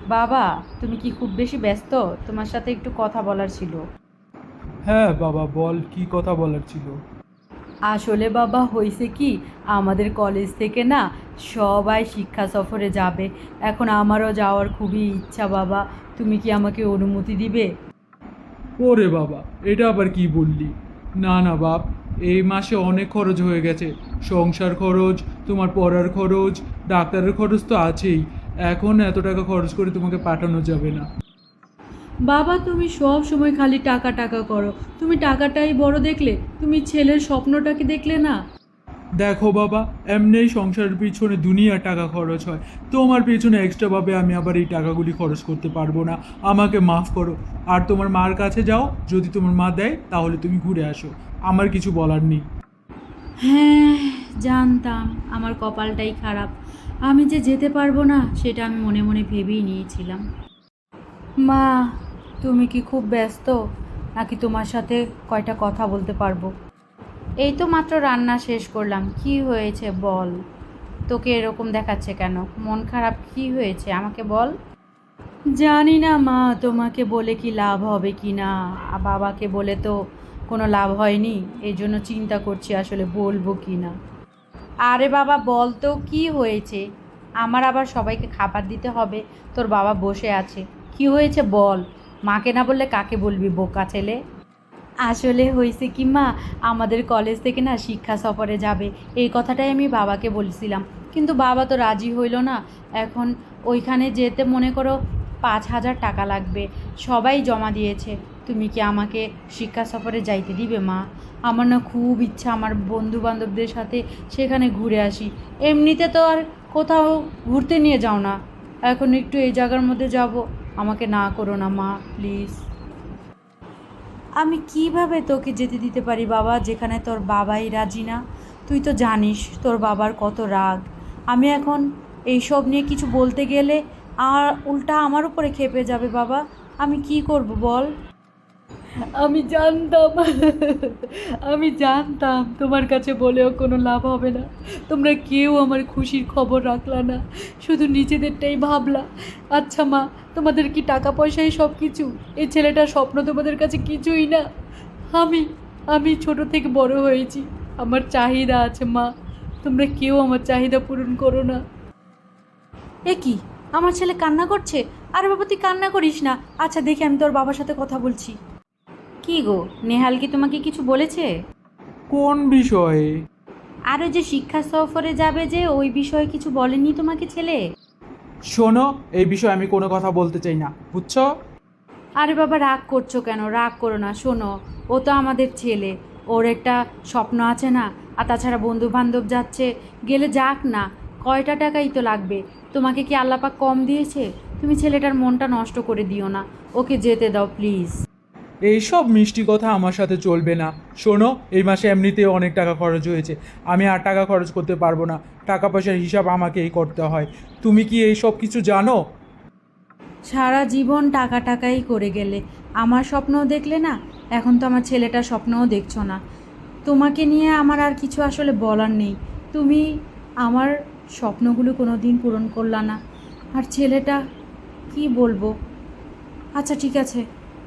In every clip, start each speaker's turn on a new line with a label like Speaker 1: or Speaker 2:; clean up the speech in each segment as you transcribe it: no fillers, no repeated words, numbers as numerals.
Speaker 1: বাবা, তুমি কি খুব বেশি ব্যস্ত? তোমার সাথে একটু কথা বলার ছিল।
Speaker 2: হ্যাঁ বাবা, বল কি কথা বলার ছিল।
Speaker 1: আসলে বাবা, হয়েছে কি, আমাদের কলেজ থেকে না সবাই শিক্ষা সফরে যাবে। এখন আমারও যাওয়ার খুবই ইচ্ছা বাবা। তুমি কি আমাকে অনুমতি দিবে?
Speaker 2: ওরে বাবা, এটা আবার কি বললি? না না বাপ, এই মাসে অনেক খরচ হয়ে গেছে। সংসার খরচ, তোমার পড়ার খরচ, ডাক্তারের খরচ তো আছেই। এখন এত টাকা খরচ করে তোমাকে পাঠানো যাবে না।
Speaker 1: বাবা, তুমি সব সময় খালি টাকা টাকা করো। তুমি টাকাটাই বড় দেখলে, তুমি ছেলের স্বপ্নটাকে দেখলে না।
Speaker 2: দেখো বাবা, এমনিই সংসারের পিছনে দুনিয়া টাকা খরচ হয়। তোমার পিছনে এক্সট্রাভাবে আমি আবার এই টাকাগুলি খরচ করতে পারবো না। আমাকে মাফ করো। আর তোমার মার কাছে যাও, যদি তোমার মা দেয় তাহলে তুমি ঘুরে আসো। আমার কিছু বলার নেই।
Speaker 1: হ্যাঁ, জানতাম আমার কপালটাই খারাপ। আমি যে যেতে পারবো না সেটা আমি মনে মনে ভেবেই নিয়েছিলাম। মা, তুমি কি খুব ব্যস্ত, নাকি তোমার সাথে কয়টা কথা বলতে পারবো? এই তো মাত্র রান্না শেষ করলাম। কি হয়েছে বল? তোকে এরকম দেখাচ্ছে কেন? মন খারাপ কি হয়েছে আমাকে বল। জানি না মা, তোমাকে বলে কি লাভ হবে কি না। বাবাকে বলে তো কোনো লাভ হয়নি, এই জন্য চিন্তা করছি আসলে বলবো কি না। আরে বাবা, বল তো কি হয়েছে। আমার আবার সবাইকে খাবার দিতে হবে, তোর বাবা বসে আছে। কি হয়েছে বল। মাকে না বললে কাকে বলবি, বোকা ছেলে। আসলে হয়েছে কি মা, আমাদের কলেজ থেকে না শিক্ষা সফরে যাবে, এই কথাটাই আমি বাবাকে বলছিলাম। কিন্তু বাবা তো রাজি হইল না। এখন ওইখানে যেতে মনে করো 5,000 টাকা লাগবে। সবাই জমা দিয়েছে। তুমি কি আমাকে শিক্ষা সফরে যাইতে দিবে মা? আমার না খুব ইচ্ছা আমার বন্ধু বান্ধবদের সাথে সেখানে ঘুরে আসি। এমনিতে তো আর কোথাও ঘুরতে নিয়ে যাও না, এখন একটু এই জায়গার মধ্যে যাব। আমাকে না করো না মা, প্লিজ। আমি কিভাবে তোকে যেতে দিতে পারি বাবা, যেখানে তোর বাবাই রাজি না? তুই তো জানিস তোর বাবার কত রাগ। আমি এখন এইসব নিয়ে কিছু বলতে গেলে আর উল্টা আমার উপরে ক্ষেপে যাবে বাবা। আমি কি করব বল। আমি জানতাম, আমি জানতাম তোমার কাছে বলেও কোনো লাভ হবে না। তোমরা কেউ আমার খুশির খবর রাখলা না, শুধু নিজেদেরটাই ভাবলা। আচ্ছা মা, তোমাদের কি টাকা পয়সাই সব কিছু? এই ছেলেটার স্বপ্ন তোমাদের কাছে কিছুই না? আমি আমি ছোট থেকে বড় হয়েছি, আমার চাহিদা আছে মা। তোমরা কেউ আমার চাহিদা পূরণ করো না। এ কি, আমার ছেলে কান্না করছে? আরে বাবা, তুই কান্না করিস না। আচ্ছা দেখি, আমি তোর বাবার সাথে কথা বলছি। কি গো, নেহাল কি তোমাকে কিছু বলেছে?
Speaker 2: কোন বিষয়ে?
Speaker 1: আর ওই যে শিক্ষা সফরে যাবে, যে ওই বিষয়ে কিছু বলেনি তোমাকে ছেলে?
Speaker 2: শোনো, এই বিষয়ে আমি কোনো কথা বলতে চাই না, বুঝছো?
Speaker 1: আরে বাবা, রাগ করছো কেন? রাগ করো না, শোনো। ও তো আমাদের ছেলে, ওর একটা স্বপ্ন আছে না? আর তাছাড়া বন্ধু বান্ধব যাচ্ছে, গেলে যাক না। কয়টা টাকাই তো লাগবে। তোমাকে কি আল্লাপাক কম দিয়েছে? তুমি ছেলেটার মনটা নষ্ট করে দিও না, ওকে যেতে দাও প্লিজ।
Speaker 2: এইসব মিষ্টি কথা আমার সাথে চলবে না। শোনো, এই মাসে এমনিতেও অনেক টাকা খরচ হয়েছে। আমি আর টাকা খরচ করতে পারবো না। টাকা পয়সার হিসাব আমাকেই করতে হয়। তুমি কি এই সব কিছু জানো?
Speaker 1: সারা জীবন টাকা টাকাই করে গেলে, আমার স্বপ্নও দেখলে না। এখন তো আমার ছেলেটার স্বপ্নও দেখছো না। তোমাকে নিয়ে আমার আর কিছু আসলে বলার নেই। তুমি আমার স্বপ্নগুলো কোনো দিন পূরণ করলা না। আর ছেলেটা, কি বলবো। আচ্ছা ঠিক আছে।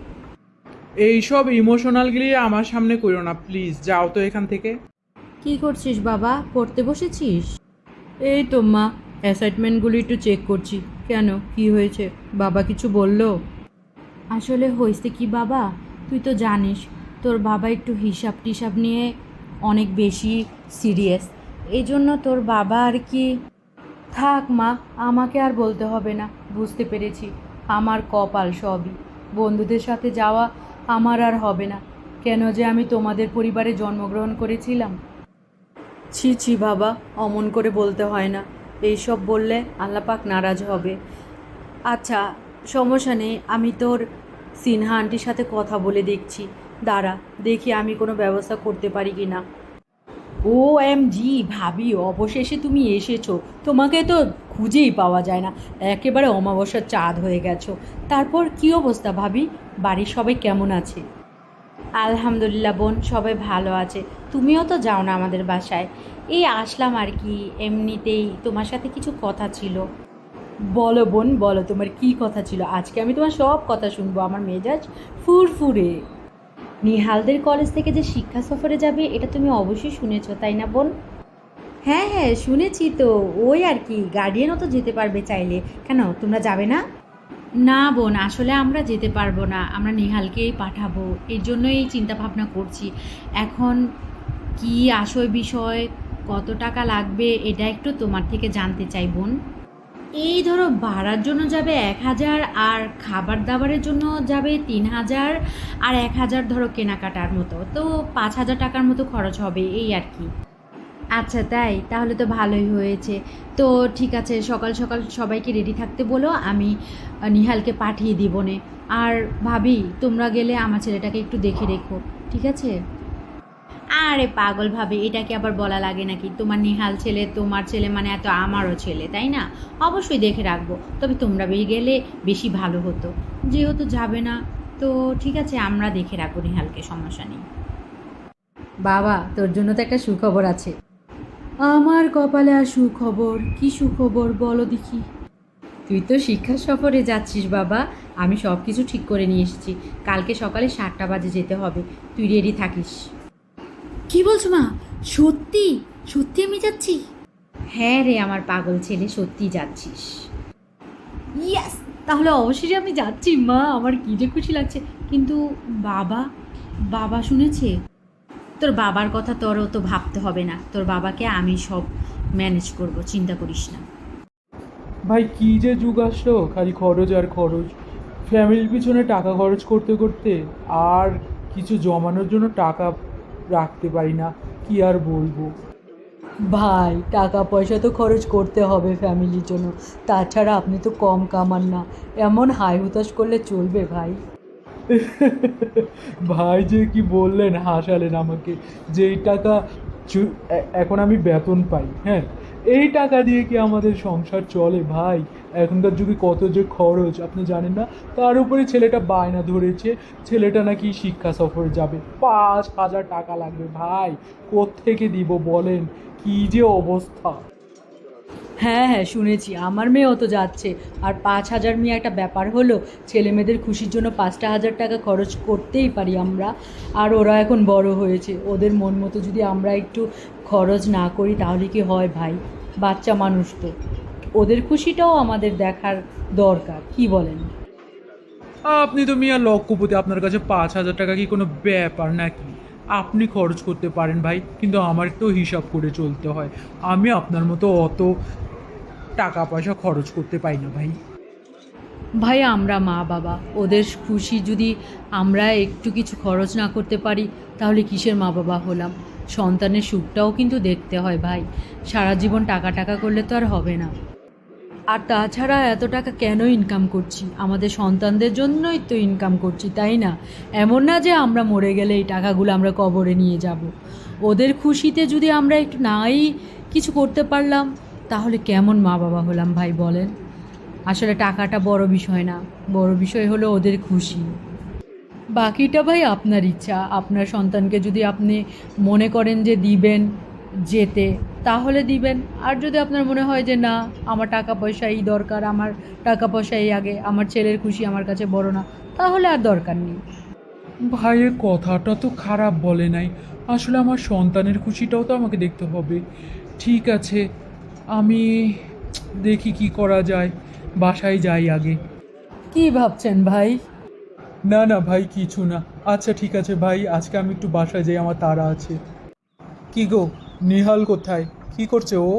Speaker 2: এইসব ইমোশনালগুলি আমার সামনে করো না প্লিজ, যাও তো এখান থেকে।
Speaker 1: কি করছিস বাবা, পড়তে বসেছিস? এই তো মা, অ্যাসাইনমেন্টগুলো একটু চেক করছি। কেন, কি হয়েছে? বাবা কিছু বললো? আসলে হয়েছে কি বাবা, তুই তো জানিস তোর বাবা একটু হিসাব টিসাব নিয়ে অনেক বেশি সিরিয়াস। এই জন্য তোর বাবা আর কি। থাক মা, আমাকে আর বলতে হবে না, বুঝতে পেরেছি। আমার কপাল সবই, বন্ধুদের সাথে যাওয়া আমার আর হবে না। কেন যে আমি তোমাদের পরিবারে জন্মগ্রহণ করেছিলাম। ছি ছি বাবা, অমন করে বলতে হয় না। এইসব বললে আল্লাপাক নারাজ হবে। আচ্ছা, সমস্যা নেই, আমি তোর সিনহা আন্টির সাথে কথা বলে দেখছি। দাঁড়া, দেখি আমি কোনো ব্যবস্থা করতে পারি কি না। OMG ভাবি, অবশেষে তুমি এসেছো। তোমাকে তো খুঁজেই পাওয়া যায় না, একেবারে অমাবস্যার চাঁদ হয়ে গেছো। তারপর কি অবস্থা ভাবি? বাড়ির সবাই কেমন আছে? আলহামদুলিল্লাহ বোন, সবাই ভালো আছে। তুমিও তো যাও না আমাদের বাসায়। এই আসলাম আর কি, এমনিতেই তোমার সাথে কিছু কথা ছিল। বলো বোন, বলো তোমার কি কথা ছিল। আজকে আমি তোমার সব কথা শুনবো। আমার মেজাজ ফুরফুরে। নিহালদের কলেজ থেকে যে শিক্ষা সফরে যাবে এটা তুমি অবশ্যই শুনেছো, তাই না বোন? হ্যাঁ হ্যাঁ, শুনেছি তো। ওই আর কি, গার্ডিয়ানও তো যেতে পারবে চাইলে। কেন, তোমরা যাবে না? না বোন, আসলে আমরা যেতে পারবো না, আমরা নিহালকেই পাঠাবো। এর জন্যই এই চিন্তা ভাবনা করছি। এখন কি আশয় বিষয়, কত টাকা লাগবে এটা একটু তোমার থেকে জানতে চাই বোন। এই ধরো ভাড়ার জন্য যাবে 1,000, আর খাবার দাবারের জন্য যাবে 3,000, আর 1,000 ধরো কেনাকাটার মতো, তো 5,000 টাকার মতো খরচ হবে এই আর কি। আচ্ছা তাই, তাহলে তো ভালোই হয়েছে। তো ঠিক আছে, সকাল সকাল সবাইকে রেডি থাকতে বলো, আমি নিহালকে পাঠিয়ে দিব নে। আর ভাবি, তোমরা গেলে আমার ছেলেটাকে একটু দেখে রেখো, ঠিক আছে? আরে পাগল ভাবে, এটাকে আবার বলা লাগে নাকি? তোমার নিহাল ছেলে তোমার ছেলে মানে এত আমারও ছেলে, তাই না? অবশ্যই দেখে রাখবো, তবে তোমরা গেলে বেশি ভালো হতো। যেহেতু যাবে না, তো ঠিক আছে, আমরা দেখে রাখবো নিহালকে, সমস্যা নেই। বাবা, তোর জন্য তো একটা সুখবর আছে। আমার কপালে আর সুখবর? কি সুখবর বলো দেখি। তুই তো শিক্ষা সফরে যাচ্ছিস বাবা। আমি সব কিছু ঠিক করে নিয়ে এসেছি। কালকে সকালে 7টা বাজে যেতে হবে, তুই রেডি থাকিস। কি বলছো মা? সত্যি? সত্যি আমি যাচ্ছি? হ্যাঁ রে আমার পাগল ছেলে, সত্যি যাচ্ছিস। ইয়াস, তাহলে অবশ্যই আমি যাচ্ছি মা, আমার কী যে খুশি লাগছে। কিন্তু বাবা, বাবা শুনেছে? তোর বাবার কথা তোরও তো ভাবতে হবে না, তোর বাবাকে আমি সব ম্যানেজ করব, চিন্তা করিস না।
Speaker 2: ভাই কি যে যুগ আসলো, খালি খরচ আর খরচ। ফ্যামিলির পিছনে টাকা খরচ করতে করতে আর কিছু জমানোর জন্য টাকা রাখতে পারি না, কি আর বলবো।
Speaker 1: ভাই, টাকা পয়সা তো খরচ করতে হবে ফ্যামিলির জন্য, তাছাড়া আপনি তো কম কামান না। এমন হাই হুতাশ করলে চলবে ভাই?
Speaker 2: ভাই যে কি বললেন, হাসালেন আমাকে। যেই টাকা এখন আমি বেতন পাই, হ্যাঁ, এই টাকা দিয়ে কি আমাদের সংসার চলে ভাই? এখনকার যুগে কত যে খরচ আপনি জানেন না। তার উপরে ছেলেটা বায়না ধরেছে, ছেলেটা নাকি শিক্ষা সফরে যাবে, 5,000 টাকা লাগবে ভাই। কোত্থেকে দিব বলেন? কি যে অবস্থা।
Speaker 1: হ্যাঁ হ্যাঁ, শুনেছি, আমার মেয়েও তো যাচ্ছে। আর 5,000 মেয়ে একটা ব্যাপার হলো? ছেলে মেয়েদের খুশির জন্য 5,000 টাকা খরচ করতেই পারি আমরা। আর ওরা এখন বড় হয়েছে, ওদের মন মতো যদি আমরা একটু খরচ না করি তাহলে কি হয় ভাই? বাচ্চা মানুষ তো, ওদের খুশিটাও আমাদের দেখার দরকার, কি বলেন?
Speaker 2: আপনি তো মিয়া লক্ষপতি, আপনার কাছে 5,000 টাকা কি কোনো ব্যাপার নাকি? আপনি খরচ করতে পারেন ভাই, কিন্তু আমার তো হিসাব করে চলতে হয়। আমি আপনার মতো অত টাকা পয়সা খরচ করতে পারি না ভাই।
Speaker 1: ভাই, আমরা মা বাবা, ওদের খুশি যদি আমরা একটু কিছু খরচ না করতে পারি তাহলে কিসের মা বাবা হলাম? সন্তানের সুখটাও কিন্তু দেখতে হয় ভাই। সারা জীবন টাকা টাকা করলে তো আর হবে না। আর তাছাড়া এত টাকা কেন ইনকাম করছি? আমাদের সন্তানদের জন্যই তো ইনকাম করছি, তাই না? এমন না যে আমরা মরে গেলে এই টাকাগুলো আমরা কবরে নিয়ে যাব। ওদের খুশিতে যদি আমরা একটু নাই কিছু করতে পারলাম, তাহলে কেমন মা বাবা হলাম ভাই বলেন? আসলে টাকাটা বড় বিষয় না, বড় বিষয় হলো ওদের খুশি। বাকিটা ভাই আপনার ইচ্ছা। আপনার সন্তানকে যদি আপনি মনে করেন যে দিবেন যেতে, তাহলে দিবেন। আর যদি আপনার মনে হয় যে না, আমার টাকা পয়সা এই দরকার, আমার টাকা পয়সা এই আগে, আমার ছেলের খুশি আমার কাছে বড় না, তাহলে আর দরকার নেই।
Speaker 2: ভাইয়ের কথাটা তো খারাপ বলে নাই। আসলে আমার সন্তানের খুশিটাও তো আমাকে দেখতে হবে। ঠিক আছে, আমি দেখি কি করা যায়। বাসায় যাই আগে।
Speaker 1: কি ভাবছেন ভাই?
Speaker 2: না না ভাই, কিছু না। আচ্ছা ঠিক আছে ভাই, আজকে আমি একটু বাসায় যাই, আমার তাড়া আছে। কি গো, নিহাল কোথায়? কি করছে ও?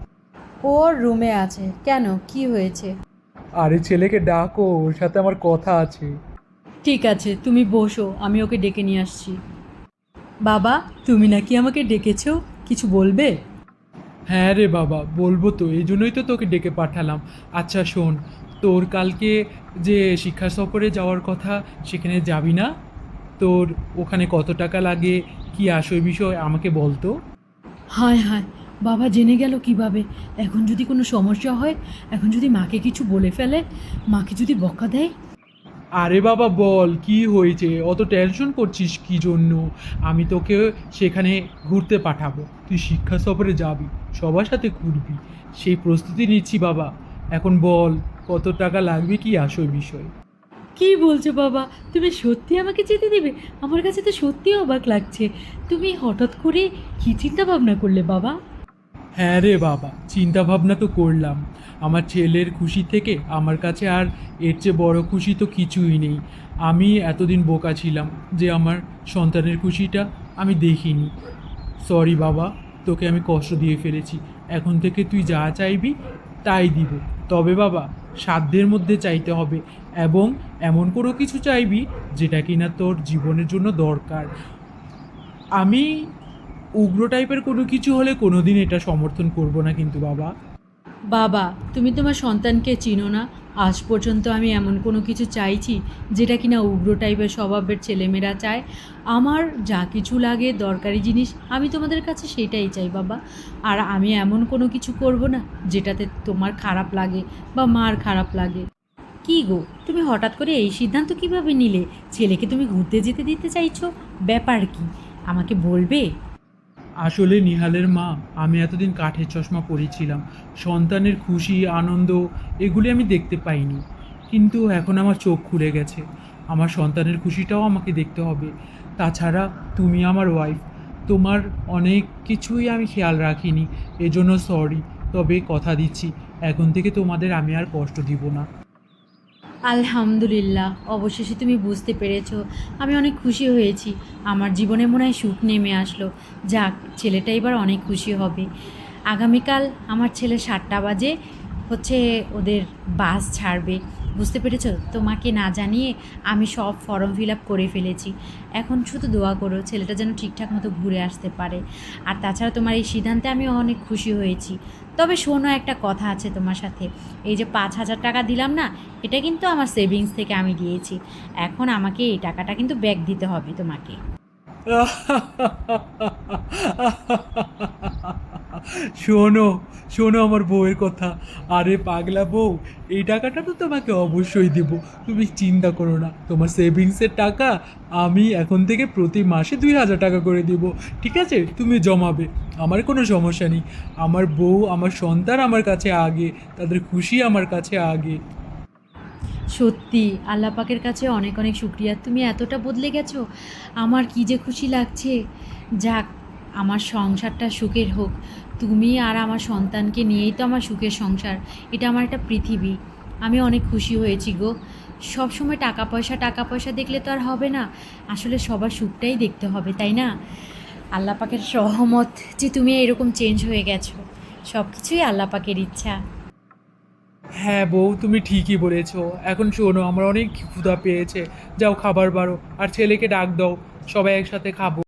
Speaker 1: ওর রুমে আছে। কেন, কি হয়েছে?
Speaker 2: আরে ছেলেকে ডাকো, ওর সাথে আমার কথা আছে।
Speaker 1: ঠিক আছে, তুমি বসো, আমি ওকে ডেকে নিয়ে আসছি। বাবা, তুমি নাকি আমাকে ডেকেছো, কিছু বলবে?
Speaker 2: হ্যাঁ রে বাবা, বলবো তো, এই জন্যই তো তোকে ডেকে পাঠালাম। আচ্ছা শোন, তোর কালকে যে শিক্ষা সফরে যাওয়ার কথা, সেখানে যাবি না? তোর ওখানে কত টাকা লাগে, কি আসল বিষয় আমাকে বলতো।
Speaker 1: হায় হায়, বাবা জেনে গেল কিভাবে? এখন যদি কোনো সমস্যা হয়, এখন যদি মাকে কিছু বলে ফেলে, মাকে যদি বকা দেয়।
Speaker 2: আরে বাবা বল, কি হয়েছে? অত টেনশন করছিস কি জন্য? আমি তোকে সেখানে ঘুরতে পাঠাবো, তুই শিক্ষা সফরে যাবি, সবার সাথে ঘুরবি, সেই প্রস্তুতি নিচ্ছি বাবা। এখন বল কত টাকা লাগবে, কি আসল বিষয়?
Speaker 1: কি বলছো বাবা, তুমি সত্যি আমাকে যেতে দেবে? আমার কাছে তো সত্যি অবাক লাগছে। তুমি হঠাৎ করে কি চিন্তা ভাবনা করলে বাবা?
Speaker 2: হ্যাঁ রে বাবা, চিন্তা ভাবনা তো করলাম। আমার ছেলের খুশি থেকে আমার কাছে আর এর চেয়ে বড় খুশি তো কিছুই নেই। আমি এতদিন বোকা ছিলাম যে আমার সন্তানের খুশিটা আমি দেখিনি। সরি বাবা, তোকে আমি কষ্ট দিয়ে ফেলেছি। এখন থেকে তুই যা চাইবি তাই দিব। তবে বাবা, সাধ্যের মধ্যে চাইতে হবে, এবং এমন কোনো কিছু চাইবি যেটা কিনা তোর জীবনের জন্য দরকার। আমি উগ্র টাইপের কোনো কিছু হলে কোনোদিন এটা সমর্থন করব না কিন্তু বাবা।
Speaker 1: বাবা, তুমি তোমার সন্তানকে চিনো না? আজ পর্যন্ত আমি এমন কোনো কিছু চাইছি যেটা কিনা উগ্র টাইপের স্বভাবের ছেলেমেয়েরা চায়? আমার যা কিছু লাগে দরকারি জিনিস আমি তোমাদের কাছে সেটাই চাই বাবা। আর আমি এমন কোনো কিছু করব না যেটাতে তোমার খারাপ লাগে বা মার খারাপ লাগে। কি গো, তুমি হঠাৎ করে এই সিদ্ধান্ত কিভাবে নিলে? ছেলেকে তুমি ঘুরতে যেতে দিতে চাইছো, ব্যাপার কি আমাকে বলবে?
Speaker 2: আসলে নিহালের মা, আমি এতদিন কাঠের চশমা পরেছিলাম। সন্তানের খুশি আনন্দ এগুলি আমি দেখতে পাইনি, কিন্তু এখন আমার চোখ খুলে গেছে। আমার সন্তানের খুশিটাও আমাকে দেখতে হবে। তাছাড়া তুমি আমার ওয়াইফ, তোমার অনেক কিছুই আমি খেয়াল রাখিনি, এজন্য সরি। তবে কথা দিচ্ছি, এখন থেকে তোমাদের আমি আর কষ্ট দিব না।
Speaker 1: আলহামদুলিল্লাহ, অবশেষে তুমি বুঝতে পেরেছো। আমি অনেক খুশি হয়েছি। আমার জীবনে মনে হয় সুখ নেমে আসলো। যাক, ছেলেটা এবার অনেক খুশি হবে। আগামীকাল আমার ছেলে 7টা বাজে হচ্ছে ওদের বাস ছাড়বে। বুঝতে পেরেছো? তোমাকে না জানিয়ে আমি সব ফর্ম ফিল আপ করে ফেলেছি। এখন শুধু দোয়া করো ছেলেটা যেন ঠিকঠাক মতো ঘুরে আসতে পারে। আর তাছাড়া তোমার এই সিদ্ধান্তে আমি অনেক খুশি হয়েছি। তবে শোনো, একটা কথা আছে তোমার সাথে। এই যে 5,000 টাকা দিলাম না, এটা কিন্তু আমার সেভিংস থেকে আমি দিয়েছি। এখন আমাকে এই টাকাটা কিন্তু ব্যাক দিতে হবে তোমাকে।
Speaker 2: শোনো, শোনো আমার বউয়ের কথা। আরে পাগলা বউ, এই টাকাটা তো তোমাকে অবশ্যই দেব। তুমি চিন্তা করো না, তোমার সেভিংসের টাকা আমি এখন থেকে প্রতি মাসে 2,000 টাকা করে দেব। ঠিক আছে, তুমি জমাবে, আমার কোনো সমস্যা নেই। আমার বউ আমার সন্তান আমার কাছে আগে, তাদের খুশি আমার কাছে আগে।
Speaker 1: সত্যি আল্লাহ পাকের কাছে অনেক অনেক শুক্রিয়া, তুমি এতটা বদলে গেছো। আমার কি যে খুশি লাগছে। যাক, আমার সংসারটা সুখের হোক। তুমি আর আমার সন্তানকে নিয়েই তো আমার সুখের সংসার। এটা আমার একটা পৃথিবী। আমি অনেক খুশি হয়েছি গো। সব সময় টাকা পয়সা টাকা পয়সা দেখলে তো আর হবে না। আসলে সবার সুখটাই দেখতে হবে, তাই না? আল্লাহ পাকের রহমত যে তুমি এরকম চেঞ্জ হয়ে গেছো, সব কিছুই আল্লাহ পাকের ইচ্ছা।
Speaker 2: হ্যাঁ বউ, তুমি ঠিকই বলেছো। এখন শোনো, আমার অনেক ক্ষুধা পেয়েছে। যাও খাবার বাড়ো, আর ছেলেকে ডাক দাও, সবাই একসাথে খাবো।